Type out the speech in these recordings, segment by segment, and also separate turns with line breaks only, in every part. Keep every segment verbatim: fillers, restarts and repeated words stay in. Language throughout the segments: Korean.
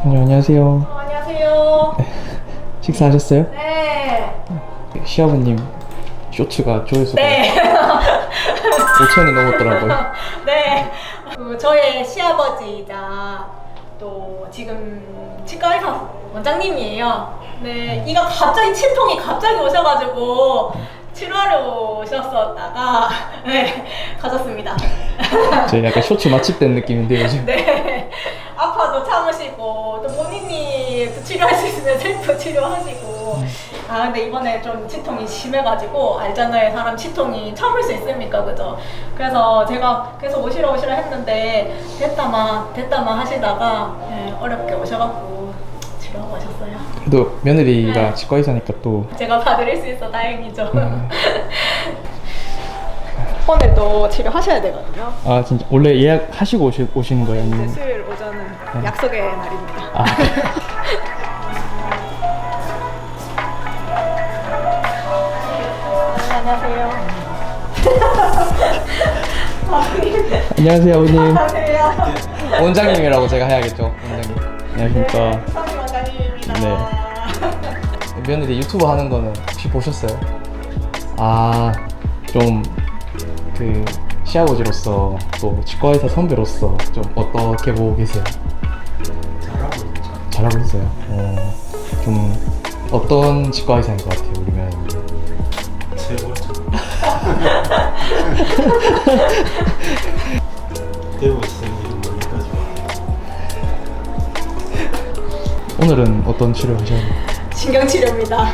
네, 안녕하세요.
어, 안녕하세요.
식사하셨어요?
네.
시아버님 쇼츠가 조회수가
네.
오천이 넘었더라고요.
네. 그 저의 시아버지이자 또 지금 치과 의사 원장님이에요. 네. 이가 갑자기 치통이 갑자기 오셔가지고 치료하러 오셨었다가 네 가셨습니다.
저 약간 쇼츠 맛집된 느낌인데 요즘.
네. 아파도 참으시고 또 본인이 또 치료할 수 있으면 셀프 치료하시고. 아 근데 이번에 좀 치통이 심해가지고 알잖아요. 사람 치통이 참을 수 있습니까, 그죠? 그래서 제가 계속 오시러 오시러 했는데 됐다마 됐다마 하시다가 네, 어렵게 오셔갖고 치료하고 오셨어요.
그래도 며느리가
네.
치과 의사니까 또
제가 봐드릴 수 있어 다행이죠.
음.
오늘도 치료하셔야 되거든요.
아 진짜 원래 예약하시고 오시, 오시는 거예요?
이제
아니면?
수요일 오전은
네.
약속의 날입니다.
아.
안녕하세요.
안녕하세요 아버님.
안녕하세요.
원장님이라고 제가 해야겠죠. 원장님. 안녕하십니까.
서희 원장님입니다.
네. 며느리 유튜브 하는 거는 혹시 보셨어요? 아, 좀 그 시아버지로서 또 치과 의사 선배로서 좀 어떻게 보고 계세요?
잘하고 있죠.
잘하고 있어요. 어, 좀 어떤 치과 의사인 것 같아요, 우리 며느리?
최고죠. 배우 있으니 여기까지 왔어요.
오늘은 어떤 치료 하셨나요?
신경치료입니다.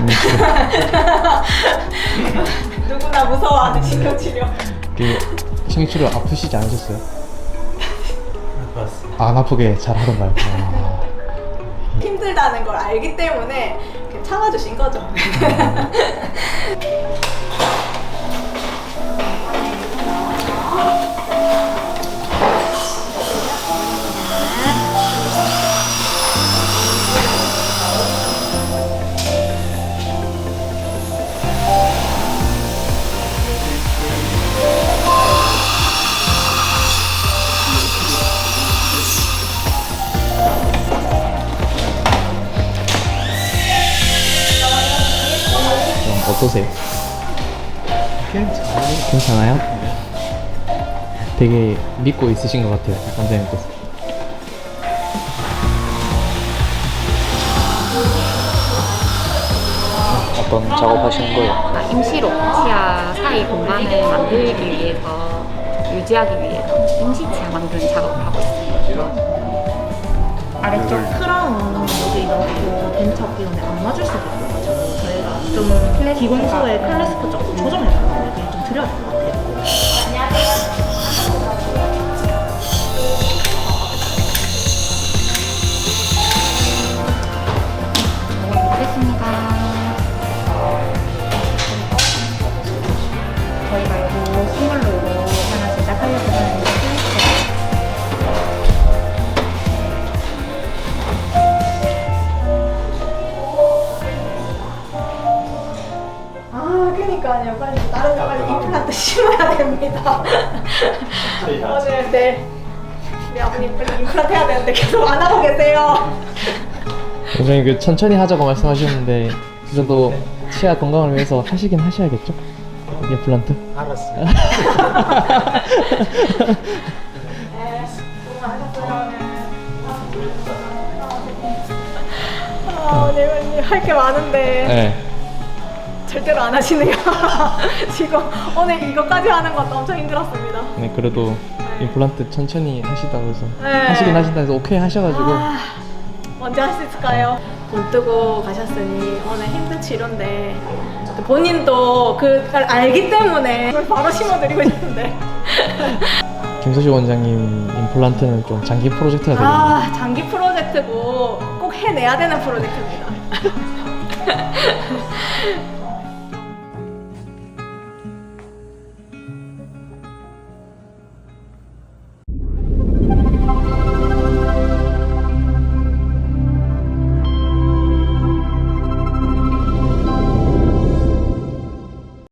누구나 무서워하는 신경치료.
그 신경치료 아프시지 않으셨어요?
봤습니다.
안 아프게 잘 하던가요? 아,
힘들다는 걸 알기 때문에 이렇게 참아주신 거죠.
좀 어떠세요?
괜찮아요.
괜찮아요?
네.
되게 믿고 있으신 것 같아요, 원장님께서. 어떤 작업하시는 거예요?
아, 임시로 치아 사이 공간을 만들기 위해서 유지하기 위해서 임시 치아 만드는 작업을 하고 있습니다.
아래쪽 크라운 여기 넣고 벤처 기운에 안 맞을 수도 있어가지고 저희가 좀 기공소의 클래스프 조금 조정해달라고 얘기 좀 드려야 될 것 같아요.
먹겠습니다. 저희가 이거 선물로 이거 하나 제작하려고 하는데
아, 그니까요. 빨리 다른 거 빨리 임플란트 심어야 됩니다. 오늘 네. 우리 아버님 빨리 임플란트 해야 되는데 계속 안 하고 계세요.
원장님 그 천천히 하자고 말씀하셨는데 그래도 치아 건강을 위해서 하시긴 하셔야겠죠? 임플란트?
알았어요.
네, 수고 많으셨어요. 아, 오늘 할 게 많은데
네.
절대로 안 하시네요. 지금 오늘 이거까지 하는 것도 엄청 힘들었습니다.
네, 그래도 임플란트 천천히 하시다고 해서
네.
하시긴 하신다 해서 오케이 하셔가지고
아, 언제 할 수 있을까요? 돈 뜨고 가셨으니 오늘 힘든 치료인데 또 본인도 그걸 알기 때문에 그걸 바로 심어드리고 싶은데
김서식 원장님 임플란트는 좀 장기 프로젝트가 되거든요.
아 장기 프로젝트고 꼭 해내야 되는 프로젝트입니다.